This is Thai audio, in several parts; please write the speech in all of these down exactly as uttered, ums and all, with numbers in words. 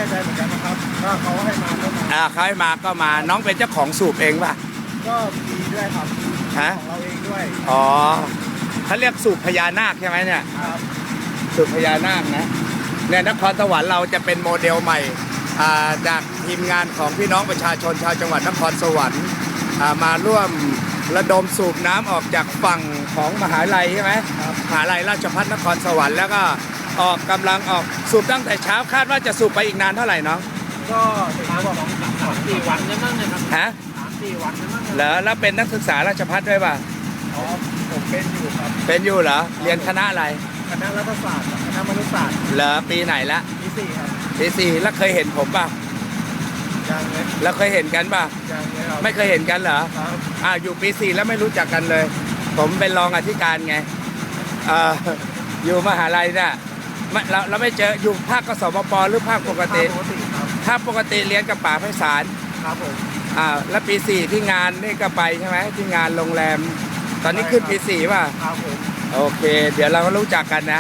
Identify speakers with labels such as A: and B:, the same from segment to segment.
A: ใจเหมือนกันนะครับถ้าเขาให้มาก็มา
B: อ่าเขาให้มาก็มาน้องเป็นเจ้าของสูบเองป่ะ
A: ก็มีด้วยครับ
B: ฮะ
A: ของเราเองด้วย
B: อ๋อเขาเรียกสูบพญานาคใช่ไหมเนี่ย
A: ครับ
B: สูบพญานาคนะเนี่ยนครสวรรค์เราจะเป็นโมเดลใหม่จากทีมงานของพี่น้องประชาชนชาวจังหวัดนครสวรรค์มาร่วมระดมสูบน้ำออกจากฝั่งของมหาลัยใช่ไหมมหาลัยราชภัฏนครสวรรค์แล้วก็ออกกำลังออกสูบตั้งแต่เช้าคาดว่าจะสูบไปอีกนานเท่าไหร่เนาะ
A: ก็ประมาณสองสามสี่วันนั่นนะครับ
B: ฮะ
A: สามสี่วันนั่น
B: เหรอแล้วเป็นนักศึกษาราชภัฏด้วยป่ะ
A: อ๋อผมเป็นอยู่ครับ
B: เป็นอยู่เหรอเรียนคณะอะไร
A: คณะรัฐศาสตร์คณะมนุษยศาสตร์
B: เหรอปีไหนละ
A: ปีสี่ครับ
B: ปีสี่แล้วเคยเห็นผมป่ะ
A: ยังเลย
B: แล้วเคยเห็นกันป่ะ
A: ยังเลยครับ
B: ไม่เคยเห็นกันเหรอ
A: ครับ
B: อ่าอยู่ปีสี่แล้วไม่รู้จักกันเลย ผมเป็นรองอธิการไงเอ่ออยู่มหาลัยเนี่ยเราเราไม่เจออยู่ภาคกสมปหรือภาคปกติภาคปกติเรียนกับป๋าไพศาล
A: ครับผม
B: อ่าแล้วปีสี่ที่งานนี่ก็ไปใช่ไหมที่งานโรงแรมตอนนี้ขึ้นปีสี่ป่ะ
A: ครับผม
B: โอเคเดี๋ยวเราก็รู้จักกันนะ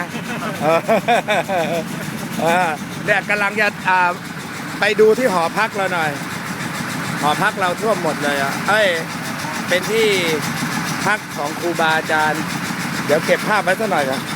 B: เออเนี่ยกำลังจะอ่าไปดูที่หอพักเราหน่อยหอพักเราท่วมหมดเลยอ่ะเอ้ยเป็นที่พักของครูบาอาจารย์เดี๋ยวเก็บภาพไว้สักหน่อยครับ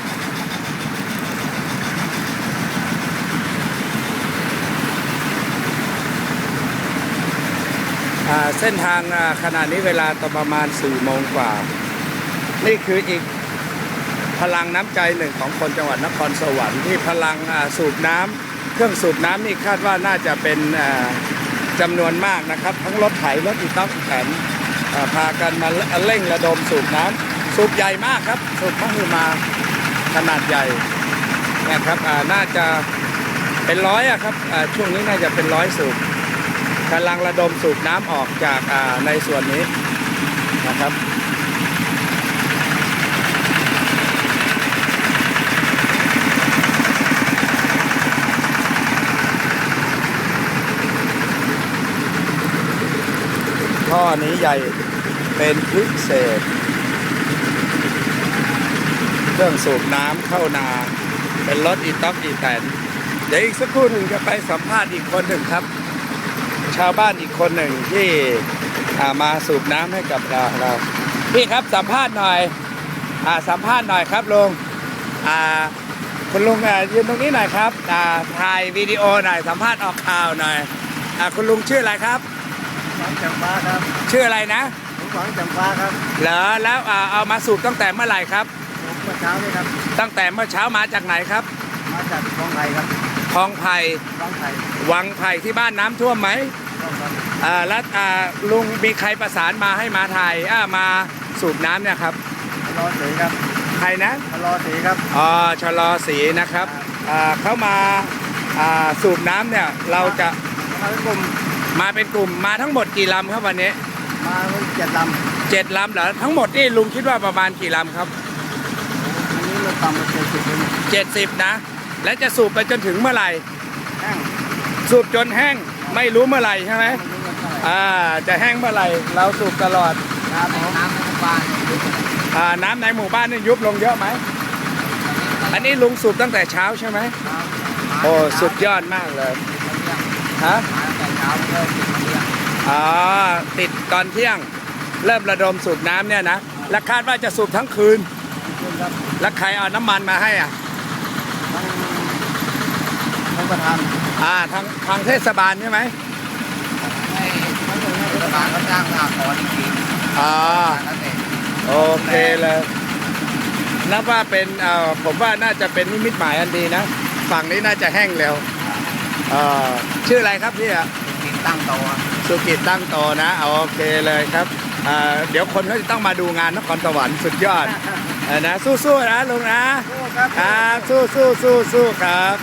B: เส้นทางขณะนี้เวลาตอนประมาณสี่โมงกว่านี่คืออีกพลังน้ำใจหนึ่งของคนจังหวัดนครสวรรค์ที่พลังสูบน้ำเครื่องสูบน้ำนี่คาดว่าน่าจะเป็นจำนวนมากนะครับทั้งรถไถรถอีต๊อกอีแตนพากันมาเร่งระดมสูบน้ำสูบใหญ่มากครับสูบมหึมาขนาดใหญ่นะครับน่าจะเป็นร้อยอะครับช่วงนี้น่าจะเป็นร้อยสูบกำลังระดมสูบน้ำออกจากในส่วนนี้นะครับท่อนี้ใหญ่เป็นพิเศษเครื่องสูบน้ำเข้านาเป็นรถอีต๊อกอีแตนเดี๋ยวอีกสักครู่หนึ่งจะไปสัมภาษณ์อีกคนหนึ่งครับชาวบ้านอีกคนหนึ่งที่มาสูบน้ำให้กับเราเราพี่ครับสัมภาษณ์หน่อยอ่าสัมภาษณ์หน่อยครับลุงอ่าคุณลุงยืนตรงนี้หน่อยครับอ่าถ่ายวิดีโอหน่อยสัมภาษณ์ออกข่าวหน่อยอ่าคุณลุงชื่ออะไรครับ
A: หวังจำปาครับ
B: ชื่ออะไรนะ
A: หวังจำปาครับ
B: เหรอแล้วเอามาสูบตั้งแต่เมื่อไหร่ครับ
A: เมื่อเช้านี่ครับ
B: ตั้งแต่เมื่อเช้ามาจากไหนครับ
A: มาจากคลองไผ่ครับ
B: คลองไผ่
A: วังไผ่
B: วังไผ่ที่บ้านน้ำท่วมไหมอ่าแล้วอ่าลุงมีใครประสานมาให้มาถ่ายอ่ามาสูบน้ำเนี่ยครับ
A: ชะลอสีครับ
B: ใครนะ
A: ชะลอสีครับ
B: อ๋อชะลอสีนะครับอ่าเขามาอ่าสูบน้ำเนี่ยเราจะ
A: มาเป็นกลุ่ม
B: มาเป็นกลุ่มมาทั้งหมดกี่ลำครับวันนี้
A: มาเจ็ดล
B: ำเจ็ดลำเหรอทั้งหมดนี่ลุงคิดว่าประมาณกี่ลำครับ
A: อันนี้เราต่ำมาเจ็ดสิบ
B: เจ็ดสิบนะและจะสูบไปจนถึงเมื่อไหร่
A: แห้ง
B: สูบจนแห้งไม่รู้เมื่อไหร่ใช่ไหมอ่าจะแห้งเมื่อไหร่เราสูบตลอด
A: น้ำในหมู่บ้าน
B: อ่าน้ำในหมู่บ้านนี่ยุบลงเยอะไหมอันนี้ลุงสูบตั้งแต่เช้าใช่ไหมโอ้สุดยอดมากเลยฮะอ๋อติดตอนเที่ยงเริ่มระดมสูบน้ำเนี่ยนะและคาดว่าจะสูบทั้งคืนแล้วใครเอาน้ำมันมาให้อ่ะ
A: ทางประธาน
B: อ่าทางทางเทศบาลใช่ไหม
A: ให้เทศบาลก็จ้างสหกรณ์อีกที
B: อ๋อโอเคเลยนับว่าเป็นเอ่อผมว่าน่าจะเป็นนิมิตหมายอันดีนะฝั่งนี้น่าจะแห้งเร็วเอ่อชื่ออะไรครับพี่อ่ะ
A: สุกิจตั้งโต
B: สุกิจตั้งโตนะโอเคเลยครับอ่าเดี๋ยวคนเขาจะต้องมาดูงานนครสวรรค์สุดยอดนะสู้ๆนะลุงนะ
A: สู้ครับ
B: สู้สู้สู้สู้ครับ